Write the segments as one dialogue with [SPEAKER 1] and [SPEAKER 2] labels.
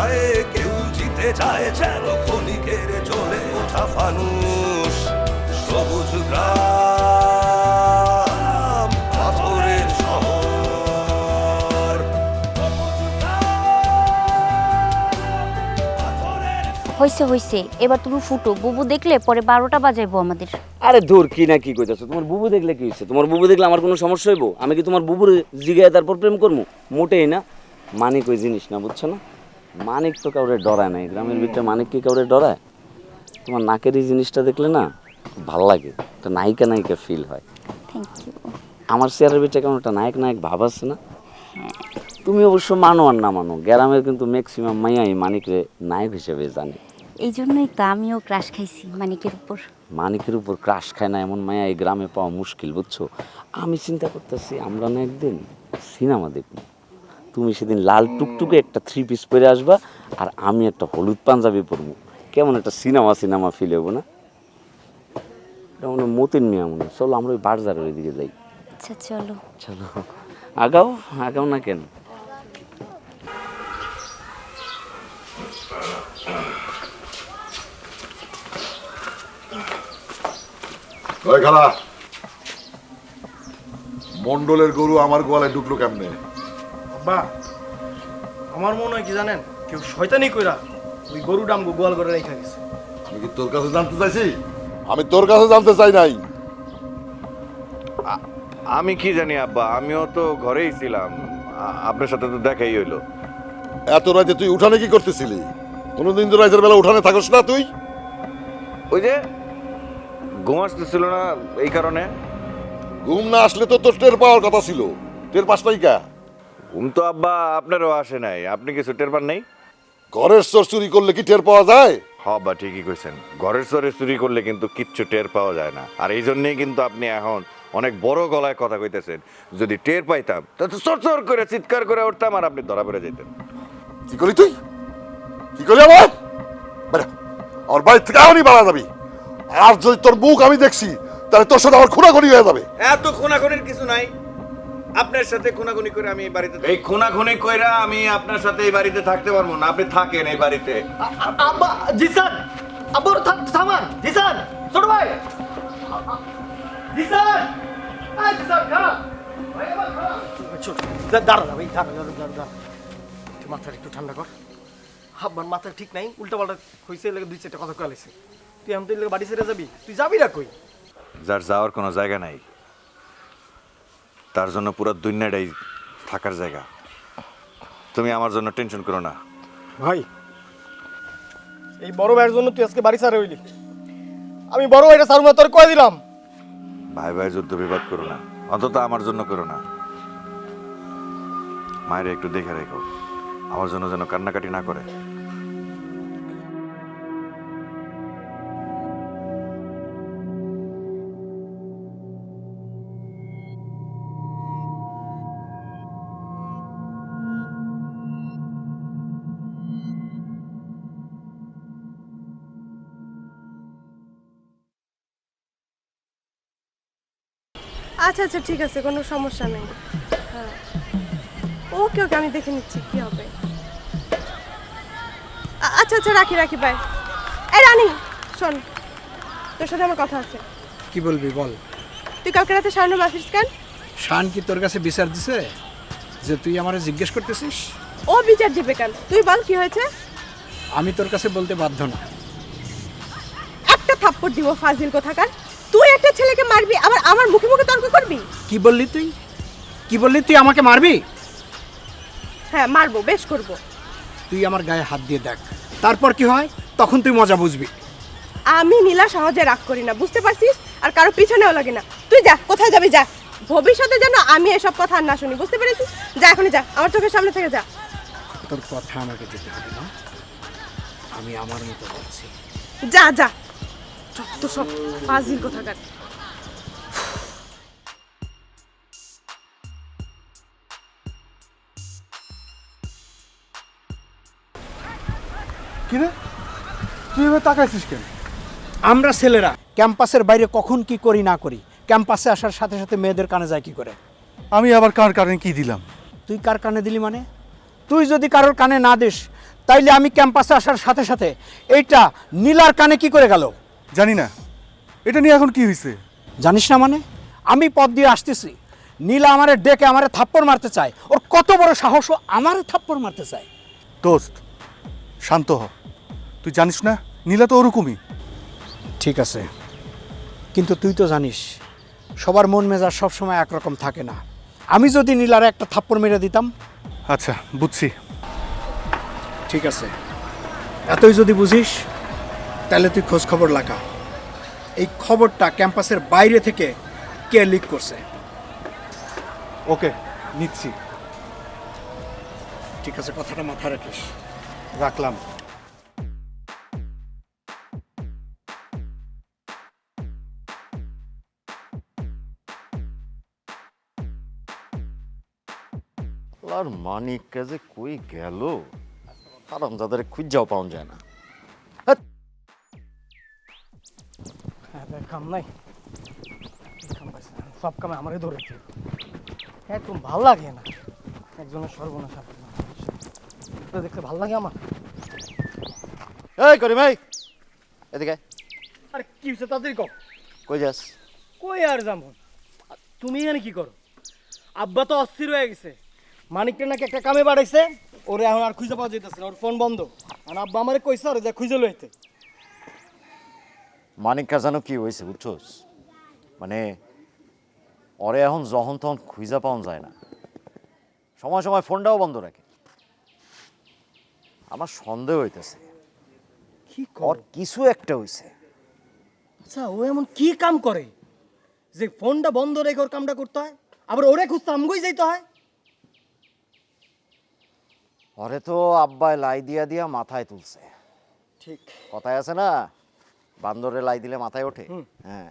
[SPEAKER 1] লড়াইয়ে কেউ জিতে যায় যেন ক্ষণিকের জ্বলে ওঠা ফানুষ। সবুজ গ্রাম, পাথরের শহর।
[SPEAKER 2] হইছে হইছে, এবার তুমি ফুটো। বুবু দেখলে পরে 12টা বাজাইবো আমাদের।
[SPEAKER 3] আরে ধুর, কি না কি কইতাছো? তোমার বুবু দেখলে কি হইছে? তোমার বুবু দেখলে আমার কোনো সমস্যা হইব? আমি কি তোমার বুবুর জিগায় তারপর প্রেম করবো? মোটেই না। মানিক ওই জিনিস না, বুঝছো না? মানিক তো কাউরে ডরায় নাই, গ্রামের ভিতরে মানিক কি কাউরে ডরায়? তোমার নাকের এই জিনিসটা দেখলে না খুব ভালো লাগে, একটা নায়িকা নায়িকা ফিল হয়।
[SPEAKER 2] Thank you.
[SPEAKER 3] আমার চেয়ারের ভিতরে কেমন একটা নায়ক নায়ক ভাব আছে না? তুমি অবশ্য মানো আর না মানো, গ্রামের কিন্তু ম্যাক্সিমাম মাইয়াই মানিকরে নায়ক হিসেবে জানে।
[SPEAKER 2] এই জন্যই তো আমিও ক্রাশ খাইছি মানিকের উপর।
[SPEAKER 3] মানিকের উপর ক্রাশ খায় না এমন মায়া এই গ্রামে পাওয়া মুশকিল, বুঝছো? আমি চিন্তা করতেছি আমরা না একদিন সিনেমা দেখব। তুমি সেদিন লাল টুকটুকে একটা 3 পিস পরে আসবা, আর আমি একটা হলুদ পাঞ্জাবি পরবো। কেমন একটা সিনেমা সিনেমা ফিল হবো না? এটা মনে হয় মতিন মিয়া মনে হয়। চলো আমরা ওই বাজারের ওই দিকে যাই।
[SPEAKER 2] আচ্ছা চলো।
[SPEAKER 3] চলো, আগাও আগাও না কেন?
[SPEAKER 4] ওই খালা, মন্ডলের গরু আমার গোয়ালে ঢুকলো কেমনে?
[SPEAKER 5] আব্বা, আমার মনে হয় কি জানেন, কেউ শয়তানি কইরা ওই গরু ডামগো গোয়াল করে রেখে গেছে।
[SPEAKER 4] আমি কি তোর কাছে জানতে চাইছি? আমি তোর কাছে জানতে চাই নাই।
[SPEAKER 6] আমি কি জানি আব্বা, আমিও তো ঘরেই ছিলাম, আপনার সাথে তো দেখাই হইলো।
[SPEAKER 4] এত রাতে তুই উঠানে কি করতেছিলি? কোনোদিন তো রাতের বেলা উঠানে থাকস না তুই?
[SPEAKER 6] ওই যে ঘুম আসতেছিল না, এই কারণে।
[SPEAKER 4] ঘুম না আসলে তো তোর টের পাওয়ার কথা ছিল, টের পাস নাই কা?
[SPEAKER 6] ঘুম তো আব্বা আপনারও আসে নাই, আপনি কিছু টের পান নাই?
[SPEAKER 4] ঘরের চোর চুরি করলে কি টের পাওয়া যায়?
[SPEAKER 6] বা ঠিকই কইছেন, ঘরের চরে চুরি করলে কিন্তু কিচ্ছু টের পাওয়া যায় না। আর এই জন্যই কিন্তু আপনি এখন অনেক বড় গলায় কথা কইতেছেন। যদি টের পাইতাম তাহলে তো চর চর করে চিৎকার করে উঠতাম আর আপনি ধরা পড়ে যেতেন।
[SPEAKER 4] কি করলি তুই? কি করলি আমার? আমার বাড়ি থেকে এখনই বাড়া যাবি। আর যদি তোর মুখ আমি দেখছি তাহলে তোর সাথে আমার খুনাখুনি হয়ে যাবে।
[SPEAKER 6] এত খুনাখুনির কিছু নাই, আপনার সাথে খুনাখুনি করে আমি এই বাড়িতে, এই খুনাখুনি কইরা আমি আপনার সাথে এই বাড়িতে থাকতে পারবো না। আপনি থাকেন এই বাড়িতে।
[SPEAKER 5] আব্বা, জিসান, আব্বা থামান, জিসান, ছোট ভাই, জিসান, এই জিসান খারাপ, ভাই আবার খারাপ। ছোট, দাঁড়া ভাই, দাঁড়া, একটু মাথাটা একটু ঠান্ডা কর। আব্বার মাথা ঠিক নাই, উল্টাপাল্টা হয়েছে, লেগে 2-4টা কথা কয়েছে। তুই আমি তো লেগে বাড়ি ছেড়ে যাবি, তুই যাবি না কই?
[SPEAKER 6] যার যাওয়ার কোনো জায়গা নাই, তার জন্য পুরো দুনিয়াটাই থাকার জায়গা। তুমি আমার জন্য টেনশন করো না।
[SPEAKER 5] ভাই, এই বড় ভাইয়ের জন্য তুই আজকে বাড়ি ছাড়া হইলি। আমি বড় ভাইটা সারুমা তোর কয়ে দিলাম।
[SPEAKER 6] ভাই ভাই যুদ্ধ বিবাদ করো না, অন্তত আমার জন্য করো না। মায়ের একটু দেখে রেখো, আমার জন্য যেন কান্নাকাটি না করে।
[SPEAKER 7] আচ্ছা আচ্ছা ঠিক আছে, কোনো সমস্যা নেই। হ্যাঁ, ওকে ওকে, আমি দেখে নিচ্ছি কি হবে। আচ্ছা আচ্ছা, রাখি রাখি, বাই। এই রানী, শোন, তোর সাথে আমার কথা আছে।
[SPEAKER 8] কি বলবি বল।
[SPEAKER 7] তুই কালকে রাতে শাহানুর আসিস কেন?
[SPEAKER 8] শান কি তোর কাছে বিচার দিছে যে তুই আমারে জিজ্ঞেস করতেছিস?
[SPEAKER 7] ও বিচার দিবে কেন? তুই বল কি হয়েছে।
[SPEAKER 8] আমি তোর কাছে বলতে বাধ্য না।
[SPEAKER 7] একটা থাপ্পড় দিব, ফাজিল কোথাকার। তুই একটা ছেলেকে মারবি, আবার আমার মুখে মুখে তর্ক করবি?
[SPEAKER 8] কি বললি তুই? কি বললি তুই আমাকে মারবি?
[SPEAKER 7] হ্যাঁ মারবো, বেশ করব।
[SPEAKER 8] তুই আমার গায়ে হাত দিয়ে দেখ, তারপর কি হয় তখন তুই মজা বুঝবি।
[SPEAKER 7] আমি নীলা সহজে রাগ করি না, বুঝতে পারছিস? আর কারো পিছনেও লাগে না। তুই যা, কোথায় যাবি যা। ভবিষ্যতে যেন আমি এসব কথা আর না শুনি, বুঝতে পেরেছিস? যা, এখনই যা, আমার চোখের সামনে থেকে যা।
[SPEAKER 8] তোর কথা আমাকে যেতে হবে না, আমি আমার মতো বলছি।
[SPEAKER 7] যা যা, যত সব ফাজিল কোথাকার।
[SPEAKER 5] কিরে, তুই এবার তাকাইছিস কেন?
[SPEAKER 8] আমরা ছেলেরা ক্যাম্পাসের বাইরে কখন কি করি না করি, ক্যাম্পাসে আসার সাথে সাথে মেয়েদের কানে যায় কি করে?
[SPEAKER 5] আমি আবার কার কারণে কি দিলাম?
[SPEAKER 8] তুই কার কানে দিলি মানে? তুই যদি কারোর কানে না দিস তাইলে আমি ক্যাম্পাসে আসার সাথে সাথে এইটা নীলার কানে কি করে গেল?
[SPEAKER 9] জানি না এটা নিয়ে এখন কি হয়েছে।
[SPEAKER 8] জানিস না মানে? আমি পথ দিয়ে আসতেছি, নীলা আমারে ডেকে আমারে থাপ্পড় মারতে চায়। ওর কত বড় সাহস, ও আমারে থাপ্পড় মারতে চায়।
[SPEAKER 9] দোস্ত শান্ত হ, তুই জানিস না নীলা তো ওরকমই।
[SPEAKER 8] ঠিক আছে, কিন্তু তুই তো জানিস সবার মন মেজাজ সবসময় একরকম থাকে না। আমি যদি নীলার একটা থাপ্পড় মেরে দিতাম।
[SPEAKER 9] আচ্ছা বুঝছি।
[SPEAKER 8] ঠিক আছে, এতই যদি বুঝিস তাহলে তুই খোঁজ খবর লাগা, এই খবরটা ক্যাম্পাসের বাইরে থেকে কে লিক করছে।
[SPEAKER 9] ওকে নিচ্ছি।
[SPEAKER 8] ঠিক আছে, কথাটা মাথায় রাখিস।
[SPEAKER 9] রাখলাম।
[SPEAKER 6] আর মানিক কাজে কই গেল, আরাম যাদের খুঁজাও পাওয়া যায় না।
[SPEAKER 5] হ্যাঁ দেখ, কাম নাই, কাম পাইছে না। সব কামে আমারই ধরেছে, একদম ভাল লাগে না একজনের সর্বনাশ। এটা দেখতে ভাল লাগে আমার।
[SPEAKER 6] এই করি ভাই এদিকে আয়।
[SPEAKER 5] আরে কি হচ্ছে তাড়াতাড়ি কর।
[SPEAKER 6] কই যাস?
[SPEAKER 5] কই আর যাবো, তুমি এখানে কি করো? আব্বা তো অস্থির হয়ে গেছে, মানিকটা নাকি একটা কামে বাড়াইছে, ওরে এখন আর খুঁজে পাওয়া যেতেছে না, ওর ফোন বন্ধ। আর আব্বা আমারে কইছে ওরে যা খুঁজে লইতে।
[SPEAKER 6] মানিক জানো কি হয়েছে বুঝছোস? মানে ওরে এখন যখন তখন খুঁজা পাওয়া যায় না, সময় সময় ফোনটাও বন্ধ রাখে। আমার সন্দেহ হইতেছে
[SPEAKER 5] কি
[SPEAKER 6] ওর
[SPEAKER 5] কর?
[SPEAKER 6] কিছু একটা হইছে।
[SPEAKER 5] আচ্ছা ও এমন কি কাম করে যে ফোনটা বন্ধ রেখে ওর কামটা করতে হয়, আবার ওরে খুঁজতে আমগোই যাইতে হয়?
[SPEAKER 6] ওরে তো আব্বাই লাই দিয়া দিয়া মাথায় তুলছে।
[SPEAKER 5] ঠিক
[SPEAKER 6] কথায় আছে না, বান্দরে লাই দিলে মাথায় ওঠে। হ্যাঁ,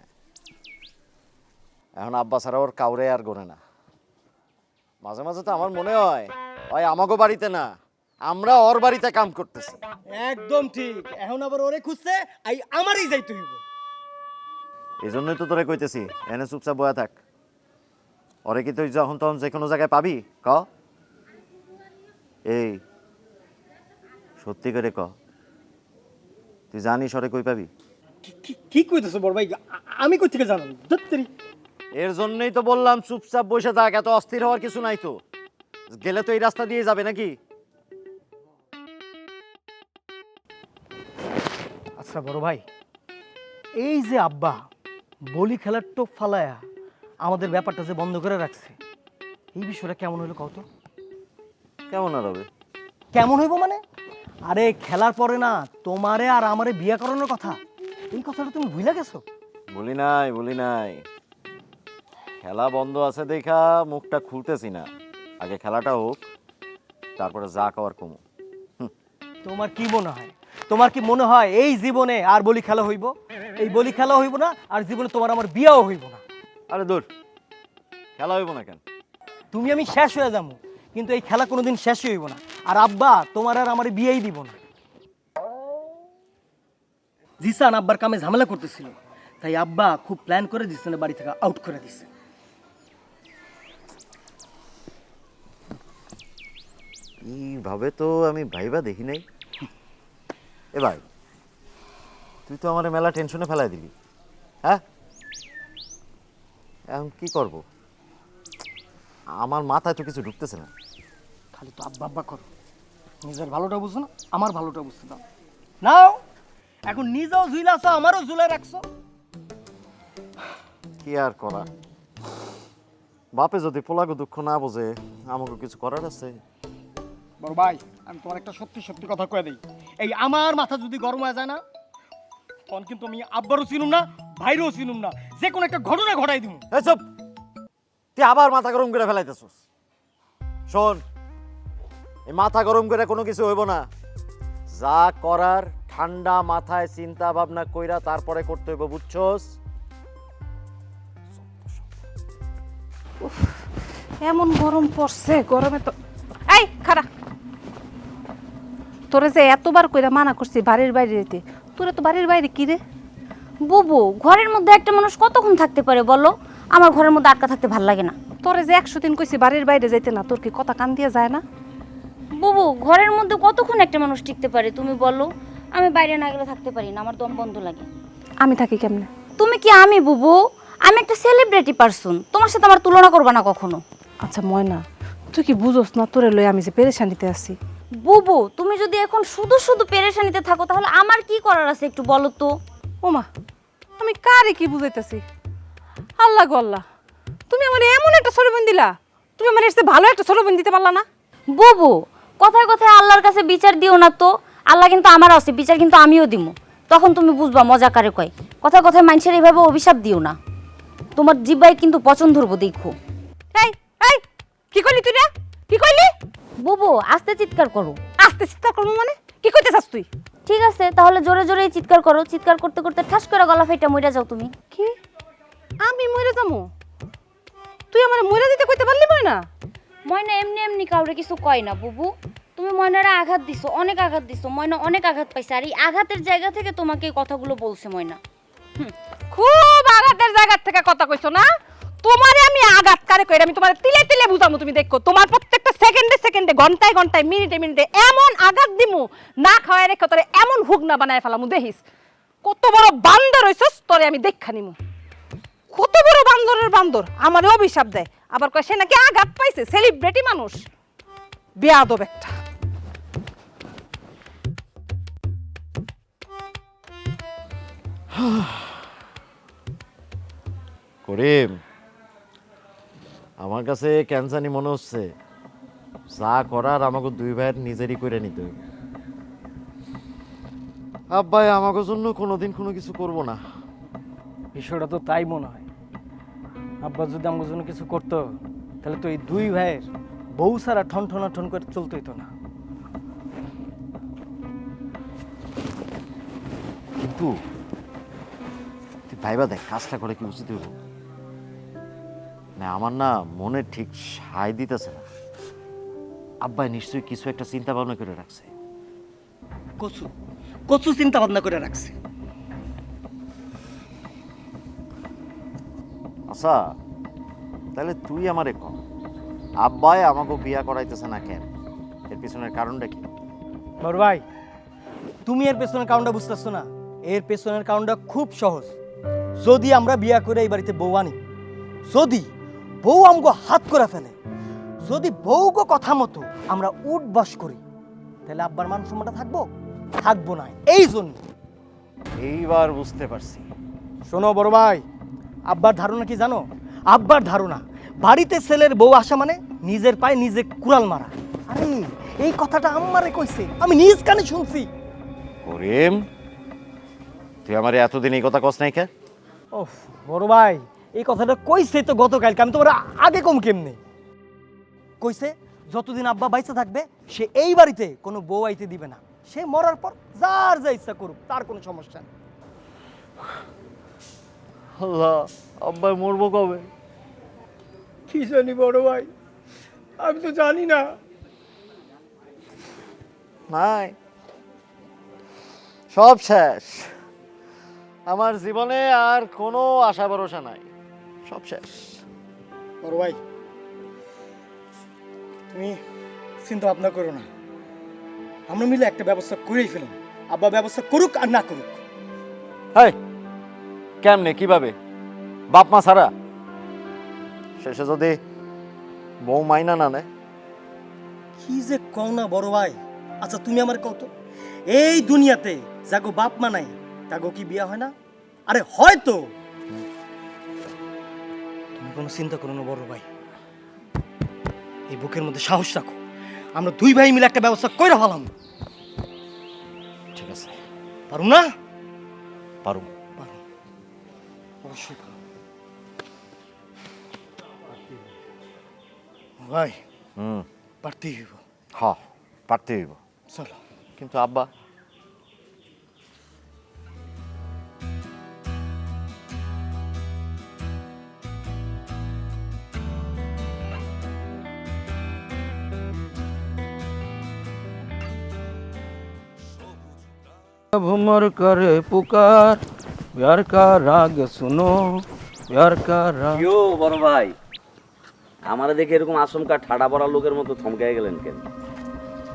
[SPEAKER 6] এখন আব্বা ছাড়া ওর কাউরে আর গোনে না। মাঝে মাঝে তো আমার মনে হয় ওই আমাগো বাড়িতে না, আমরা ওর বাড়িতে কাম করতেছি।
[SPEAKER 5] একদম ঠিক, এখন আবার ওরে খুঁজতে আই আমারই যাইতে হইব।
[SPEAKER 6] এই জন্যই তো তোরে কইতেছি এনে চুপচাপ বয়া থাক। ওরে কি তুই যখন তখন যে কোনো জায়গায় পাবি? ক এই সত্যি করে ক, তুই জানিস ওরে কই পাবি?
[SPEAKER 5] কি কইতেছো বড় ভাই? আমি কই থেকে জানাম? দত্তরি
[SPEAKER 6] এর জন্যই তো বললাম চুপচাপ বসে থাক, এত অস্থির হওয়ার কিছু নাই তো। গেলে তো এই রাস্তা দিয়ে যাবে নাকি?
[SPEAKER 5] আচ্ছা বড় ভাই, এই যে আব্বা বলি খেলার টোপ ফালায়া আমাদের ব্যাপারটা যে বন্ধ করে রাখছে, এই বিষয়টা কেমন হইলো কত?
[SPEAKER 6] কেমন আর হবে?
[SPEAKER 5] কেমন হইব মানে? আরে খেলার পরে না তোমারে আর আমারে বিয়া করানোর কথা, এই কথাটা তুমি ভুলে গেছো?
[SPEAKER 6] বলি নাই, খেলা বন্ধ আছে দেখা মুখটা খুলতেছি না। আগে খেলাটা হোক, তারপরে যা খাওয়ার কমু।
[SPEAKER 5] তোমার কি মনে হয়, তোমার কি মনে হয় এই জীবনে আর বলি খেলা হইব? এই বলি খেলা হইব না, আর জীবনে তোমার আমার বিয়াও হইব না।
[SPEAKER 6] আরে দূর, খেলা হইব না কেন?
[SPEAKER 5] তুমি আমি শেষ হয়ে যাবো, কিন্তু এই খেলা কোনোদিন শেষ হইব না। আর আব্বা তোমার আর আমার বিয়েই দিব না। জিসান আব্বার কামে ঝামেলা করতেছিল, তাই আব্বা খুব প্ল্যান করে জিসানের বাড়ি থেকে আউট করে দিচ্ছে।
[SPEAKER 6] এইভাবে তো আমি ভাইবা দেখি নাই। এ ভাই, তুই তো আমার মেলা টেনশনে ফেলাই দিলি। হ্যাঁ, এখন কি করব? আমার মাথায় তো কিছু ঢুকতেছে না।
[SPEAKER 5] খালি তো আব্বা আব্বা করো, নিজের ভালোটা বুঝছো না, আমার ভালোটা বুঝতে দাও। নাও এখন নিজেও ঝুলাছো, আমারও ঝুলাই রাখছো।
[SPEAKER 6] কি আর করা, বাপে যদি পোলাগো দুঃখ না বোঝে আমাকে কিছু করার আছে?
[SPEAKER 5] বড় ভাই, আমি তোমার একটা সত্যি সত্যি কথা কয়ে দিই, এই আমার মাথা যদি গরম হয়ে যায় না, তখন কিন্তু আমি আব্বারও চিনুম না, ভাইরও চিনুম না, যে কোনো একটা ঘটনা ঘটাই দিব।
[SPEAKER 6] এসব তুই আবার মাথা গরম করে ফেলাইতেছস। শোন, এই মাথা গরম করে কোনো কিছু হইব না। যা করার ঠান্ডা মাথায় চিন্তা ভাবনা কইরা তারপরে করতে হইব, বুঝছস?
[SPEAKER 10] এমন গরম পড়ছে, গরমে তো এই খারা, তোরে যে এতবার কইরা মানা করছি বাড়ির বাইরে যেতে, তোরা তো বাড়ির বাইরে কি রে?
[SPEAKER 2] বুবু, ঘরের মধ্যে একটা মানুষ কতক্ষণ থাকতে পারে বলো? আমার ঘরের মধ্যে আটকা থাকতে ভাল লাগে না।
[SPEAKER 10] তোরে যে 100 দিন কইছি বাড়ির বাইরে যাইতে না, তোর কি কথা কান দিয়ে যায় না?
[SPEAKER 2] বুবু ঘরের মধ্যে কতক্ষণ একটা মানুষ টিকতে পারে তুমি বলো? আমি বাইরে না গেলে থাকতে পারি না, আমার দম বন্ধ লাগে।
[SPEAKER 10] আমি থাকি কেমনে?
[SPEAKER 2] তুমি কি আমি বুবু? আমি একটা সেলিব্রিটি পারসন, তোমার সাথে আমার তুলনা করবা না কখনো।
[SPEAKER 10] আচ্ছা ময়না, তুই কি বুঝোস না তোরে লই আমি যে পেরেশানিতে আছি?
[SPEAKER 2] বুবু তুমি যদি এখন শুধু শুধু পেরেশানিতে থাকো তাহলে আমার কি করার আছে একটু বলো তো।
[SPEAKER 10] ওমা, আমি কারে কি বুঝাইতেছি? আল্লাহ গো আল্লাহ, তুমি আমার এমন একটা সরবন দিলা, তুমি আমার এসে ভালো একটা সরবন দিতে পারলা না?
[SPEAKER 2] বুবু কথায় কথায় আল্লাহর কাছে বিচার দিও না তো। আল্লাহ কিন্তু আমার আছে, বিচার কিন্তু আমিও দিমু, তখন তুমি বুঝবা মজা কারে কয়। কথায় কথায় মানুষের এইভাবে অভিশাপ দিও না, তোমার জিব্বায় কিন্তু পছন্দ ধরবো দেখো।
[SPEAKER 10] এই এই কি কইলি তুই রে? কি কইলি?
[SPEAKER 2] বুবু আস্তে চিৎকার করো।
[SPEAKER 10] আস্তে চিৎকার করবো মানে? কি কইতেছাস তুই?
[SPEAKER 2] ঠিক আছে তাহলে জোরে জোরে চিৎকার করো, চিৎকার করতে করতে ঠাস করে গলা ফেটে মইরা যাও তুমি।
[SPEAKER 10] কি আমি মরে যাবো? তুই আমার মরে দিতে কইতে পারলি ময়না?
[SPEAKER 2] ময়না এমনি এমনি কাউরে কিছু কয় না বুবু। তুমি ময়নারে আঘাত দিছো, অনেক আঘাত দিছো, ময়না অনেক আঘাত পাইছে, আর এই আঘাতের জায়গা থেকে তোমাকে এই কথাগুলো বলছে ময়না।
[SPEAKER 10] খুব আঘাতের জায়গা থেকে কথা কইছো না? তোমারে আমি আঘাত কারে কইরা আমি তোমারে তিলে তিলে বুঝামু, তুমি দেখো। তোমার প্রত্যেকটা সেকেন্ডে সেকেন্ডে, ঘন্টায় ঘন্টায়, মিনিটে মিনিটে এমন আঘাত দিমু, না খাওয়াই রেখে তোরে এমন হুক না বানায় ফেলামু। দেখিস কত বড় বান্দর হইছস, তোরে আমি দেখা নিমু। কত বড় বান্দরের বান্দর আমারে অভিশাপ দেয়, আবার কয় সে নাকি আঘাত পাইছে, সেলিব্রিটি মানুষ। বেয়াদব একটা।
[SPEAKER 11] করিম, আমার কাছে ক্যান্সারই মনে হচ্ছে যা করার আমাকে দুই ভাইয়ের নিজেরই করে নিতে হবে। আব্বাই আমাকে জন্য কোনোদিন কোনো কিছু করব না।
[SPEAKER 5] বিষয়টা তো তাই মনে হয়। আব্বা যদি আমার জন্য কিছু করতো তাহলে তো এই দুই ভাইয়ের বউ সারা ঠন ঠনা ঠন করে চলতে হইতো না।
[SPEAKER 11] কিন্তু তুই ভাইবা দেখ কাজটা করে কি উচিত হইব না? আমার না মনে ঠিক সায় দিতেছে না। আব্বাই নিশ্চয়ই কিছু একটা চিন্তা ভাবনা করে রাখছে।
[SPEAKER 5] কচু কচু চিন্তা ভাবনা করে রাখছে।
[SPEAKER 11] আচ্ছা তাহলে তুই আমারে কর, আব্বাই আমাকে বিয়া করাইতেছে না কেন? এর পিছনের কারণটা কি?
[SPEAKER 5] বড় ভাই, তুমি এর পেছনের কারণটা বুঝতেছো না? এর পেছনের কারণটা খুব সহজ। যদি আমরা বিয়া করে এই বাড়িতে বউ আনি, যদি বউ আমগো হাত করে ফেলে, যদি বউগো কথা মতো আমরা উঠ বস করি, তাহলে আব্বার মান সম্মানটা থাকবো? থাকবো না। এই জন্য
[SPEAKER 11] এইবার বুঝতে পারছি।
[SPEAKER 5] শোনো বড় ভাই, আব্বার ধারণা কি জানো? আব্বার ধারণা বাড়িতে ছেলের বউ আসা মানে নিজের পায়ে নিজে কুড়াল মারা। আরে এই কথাটা আম্মারে কইছে, আমি নিজ কানে শুনছি।
[SPEAKER 11] করিম, তুই আমার এতদিন এই কথা কস নাই কে?
[SPEAKER 5] ও বড় ভাই, এই কথাটা কইছে তো গতকালকে, আমি তোমার আগে কম কেমনে কইছে? যতদিন আব্বা বাইচা থাকবে সে এই বাড়িতে কোনো বউ আইতে দিবে না। সে মরার পর যার যা ইচ্ছা করুক, তার কোনো সমস্যা নেই।
[SPEAKER 11] আল্লাহ, আব্বাই মরবো কবে?
[SPEAKER 5] কি জানি বড় ভাই, আমি তো জানি না।
[SPEAKER 11] নাই, সব শেষ। আমার জীবনে আর কোনো আশা ভরসা নাই, সব শেষ।
[SPEAKER 8] বড় ভাই, তুমি চিন্তা ভাবনা করো না, আমরা মিলে একটা ব্যবস্থা করেই ফেলুন। আব্বা ব্যবস্থা করুক আর না করুক।
[SPEAKER 11] হ্যাঁ, কেমনে কিভাবে? বাপ মা ছাড়া? শেষে যদি বউ মাইনা না নেয়?
[SPEAKER 5] কি যে কও না বড় ভাই। আচ্ছা তুমি আমার কও তো, এই দুনিয়াতে যাগো বাপ মা নাই তাগো কি বিয়া হয় না? আরে হয়তো। তুমি কোনো চিন্তা করো না বড় ভাই, এই বুকের মধ্যে সাহস রাখো। আমরা দুই ভাই মিলে একটা ব্যবস্থা কইরা ফেলাম।
[SPEAKER 11] ঠিক আছে,
[SPEAKER 5] পারুম না?
[SPEAKER 11] পারুম।
[SPEAKER 5] পারুম, অবশ্যই পারুম। ভাই পারতেই হইব।
[SPEAKER 11] হ, পারতে হইব।
[SPEAKER 5] চলো।
[SPEAKER 11] কিন্তু আব্বা?
[SPEAKER 12] भमर करे पुकार प्यार का राग सुनो प्यार का राग।
[SPEAKER 3] ইয়ো বড় ভাই, আমারে দেখে এরকম আচমকা ঠাডা পড়া লোকের মতো থমকে গেলেন কেন?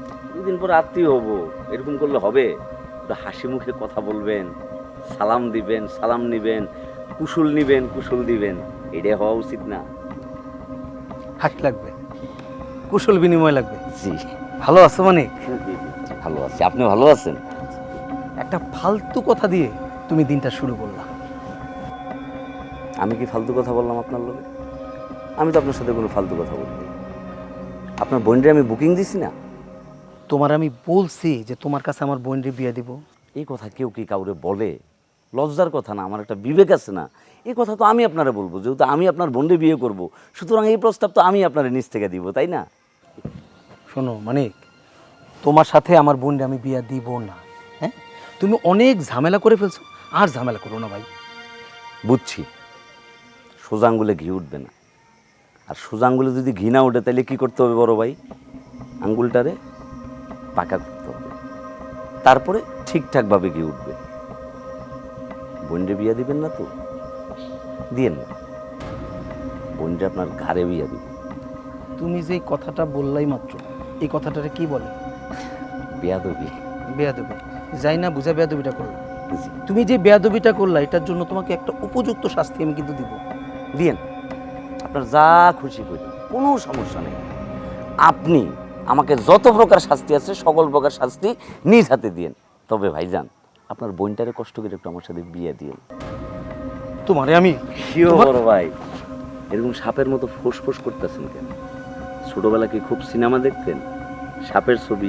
[SPEAKER 3] এতদিন পর আত্মীয় হব, এরকম করলে হবে? একটু হাসি মুখে কথা বলবেন, সালাম দিবেন, সালাম নিবেন, কুশল নিবেন, কুশল দিবেন, এটাই হওয়া উচিত না?
[SPEAKER 12] হাসি লাগবে, কুশল বিনিময় লাগবে।
[SPEAKER 3] জি
[SPEAKER 12] ভালো আছো মানে?
[SPEAKER 3] ভালো আছি, আপনি ভালো আছেন?
[SPEAKER 12] একটা ফালতু কথা দিয়ে তুমি দিনটা শুরু করলা।
[SPEAKER 3] আমি কি ফালতু কথা বললাম আপনার লোকে? আমি তো আপনার সাথে কোনো ফালতু কথা বলিনি। আপনার বোনরে আমি বুকিং দিছি না?
[SPEAKER 12] তোমার আমি বলছি যে তোমার কাছে আমার বোনরে বিয়ে দিব।
[SPEAKER 3] এই কথা কেউ কি কাউরে বলে? লজ্জার কথা না, আমার একটা বিবেক আছে না? এই কথা তো আমি আপনারা বলবো, যেহেতু আমি আপনার বোনরে বিয়ে করব, সুতরাং এই প্রস্তাব তো আমি আপনার নিজ থেকে দিব, তাই না?
[SPEAKER 12] শোনো মানিক, তোমার সাথে আমার বোনরে আমি বিয়ে দিব না। হ্যাঁ, তুমি অনেক ঝামেলা করে ফেলছো, আর ঝামেলা করো না ভাই।
[SPEAKER 3] বুঝছি, সোজা আঙ্গুলে ঘি উঠবে না। আর সোজা আঙ্গুলে যদি ঘি না ওঠে তাহলে কি করতে হবে বড় ভাই? আঙ্গুলটারে পাকা করতে হবে, তারপরে ঠিকঠাকভাবে ঘি উঠবে। বোনরে বিয়া দিবেন না তো? দিয়েন না, বোনরে আপনার ঘাড়ে বিয়া দিবেন।
[SPEAKER 12] তুমি যে কথাটা বললাই মাত্র, এই কথাটারে কি বলে?
[SPEAKER 3] বেয়াদবি।
[SPEAKER 12] বেয়াদবি? যাই না বুঝা বেয়াদবিটা করলা। তুমি যে বেয়াদবিটা করলা, এটার জন্য তোমাকে একটা উপযুক্ত শাস্তি আমি কিন্তু দিব।
[SPEAKER 3] দিয়েন, আপনার যা খুশি করি, কোনো সমস্যা নেই। আপনি আমাকে যত প্রকার শাস্তি আছে সকল প্রকার শাস্তি নিজ হাতে দিয়েন। তবে ভাইজান, আপনার বোনটারে কষ্ট করে একটু আমার সাথে বিয়ে দিয়েন।
[SPEAKER 12] তোমারে আমি
[SPEAKER 3] বড় ভাই, এরকম সাপের মতো ফোঁস করতেছেন কেন? ছোটবেলা কি খুব সিনেমা দেখতেন? সাপের ছবি,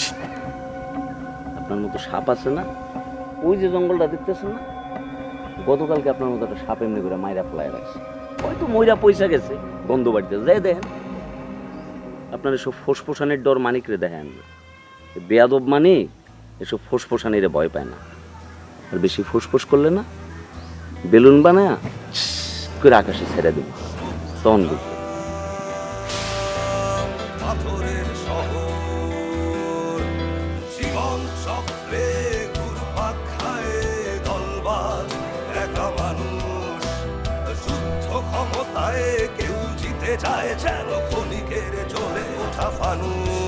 [SPEAKER 3] আপনার মতো সাপ আছে না? ওই যে জঙ্গলটা দেখতেছেন না, গতকালকে আপনার মতো একটা সাপ এমনি করে মাইরা ফেলায় রাখছে, হয়তো ময়রা পয়সা গেছে গন্ধ বাড়িতে, যাই দেখেন। আপনার এসব ফোঁসফোসানের ডর মানিকরে দেখেন, বেয়াদব মানিক এসব ফোঁসফোসানিরে ভয় পায় না। আর বেশি ফোঁস করলে না, বেলুন বানায় করে আকাশে ছেড়ে দেব, তখন বুঝবে।
[SPEAKER 1] পাথরের শহর জীবন চক্রে ঘুরপাক খায় দলবাজ একা মানুষ। যুদ্ধ ক্ষমতায় কেউ জিতে যায় যেন ক্ষণিকের জ্বলে ওঠা ফানুস।